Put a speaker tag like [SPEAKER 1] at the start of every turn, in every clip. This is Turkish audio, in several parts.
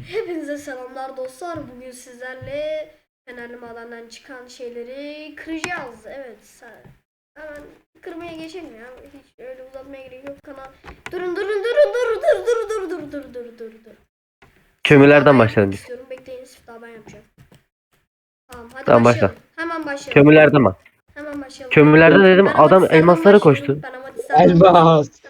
[SPEAKER 1] Hepinize selamlar dostlar. Bugün sizlerle Fenerli Maden'den çıkan şeyleri kıracağız. Evet. Hemen kırmaya geçelim ya. Hiç öyle uzatmaya gerek yok. Durun. Siftah ben
[SPEAKER 2] Kömürlerden başlayalım
[SPEAKER 1] yapmak
[SPEAKER 2] biz.
[SPEAKER 1] istiyorum. Bekleyin, siftah ben yapacağım. Tamam, hadi
[SPEAKER 2] Tamam
[SPEAKER 1] başlayalım.
[SPEAKER 2] başla.
[SPEAKER 1] Hemen başlayalım.
[SPEAKER 2] Kömürlerden bak.
[SPEAKER 1] Hemen başlayalım.
[SPEAKER 2] Kömürlerde dedim
[SPEAKER 1] Ben
[SPEAKER 2] adam
[SPEAKER 1] amatistlerden
[SPEAKER 2] elmaslara
[SPEAKER 1] başlıyorum.
[SPEAKER 2] koştu.
[SPEAKER 1] Ben amatistlerden başlıyorum.
[SPEAKER 3] Elmas.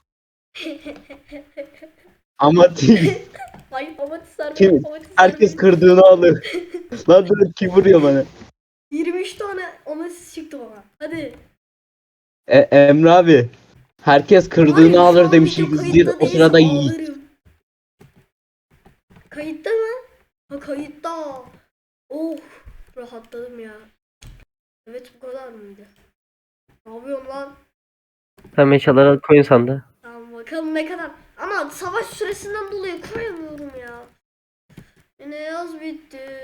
[SPEAKER 3] Amatist.
[SPEAKER 1] Ay, amatistler benim.
[SPEAKER 3] Kim?
[SPEAKER 1] Amatistler
[SPEAKER 3] Herkes
[SPEAKER 1] benim.
[SPEAKER 3] kırdığını alır. Lan dur, kim vuruyor bana?
[SPEAKER 1] 23 tane amatist çıktı bana. Hadi.
[SPEAKER 3] Emre abi. Herkes
[SPEAKER 1] Var
[SPEAKER 3] kırdığını
[SPEAKER 1] ya, şu
[SPEAKER 3] alır
[SPEAKER 1] an
[SPEAKER 3] demiş.
[SPEAKER 1] video
[SPEAKER 3] Gizli
[SPEAKER 1] kayıtta
[SPEAKER 3] o
[SPEAKER 1] değilse
[SPEAKER 3] sırada Yiğit.
[SPEAKER 1] ağlarım. Kayıtta mı? Ha, kayıtta. Oh, rahatladım ya. Evet, bu kadar mıydı? Ne yapıyorsun lan?
[SPEAKER 2] Sen eşyaları koyun sandı.
[SPEAKER 1] Tamam, bakalım ne kadar. Ama savaş süresinden dolayı koyamıyorum ya. Yine yaz bitti.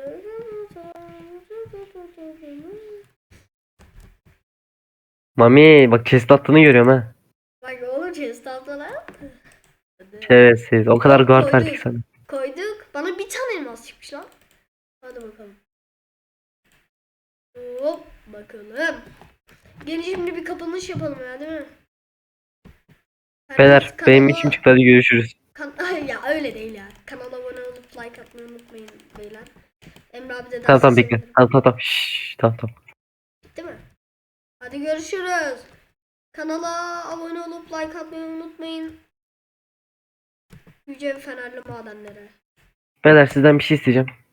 [SPEAKER 2] Mami bak chest attığını görüyorum ha.
[SPEAKER 1] Bak oğlum, chest lan.
[SPEAKER 2] Şerefsiz. O kadar
[SPEAKER 1] Hop,
[SPEAKER 2] guard verdik
[SPEAKER 1] koyduk.
[SPEAKER 2] sana.
[SPEAKER 1] Koyduk. Bana bir tane elmas çıkmış lan. Hadi bakalım. Hop bakalım. Gelin şimdi bir kapanış yapalım ya, değil mi? Herkes
[SPEAKER 2] Beyler benim işim
[SPEAKER 1] kanala...
[SPEAKER 2] çıktı, hadi görüşürüz.
[SPEAKER 1] Ay ya, öyle değil ya. Kanala abone olup like atmayı unutmayın beyler. Emre abi de
[SPEAKER 2] Tamam
[SPEAKER 1] derse
[SPEAKER 2] tamam bekle.
[SPEAKER 1] sevinirim.
[SPEAKER 2] Tamam. Şşş, tamam.
[SPEAKER 1] Bitti mi? Hadi görüşürüz. Kanala abone olup like atmayı unutmayın. Yüce Fenerli madenlere.
[SPEAKER 2] Beyler sizden bir şey isteyeceğim.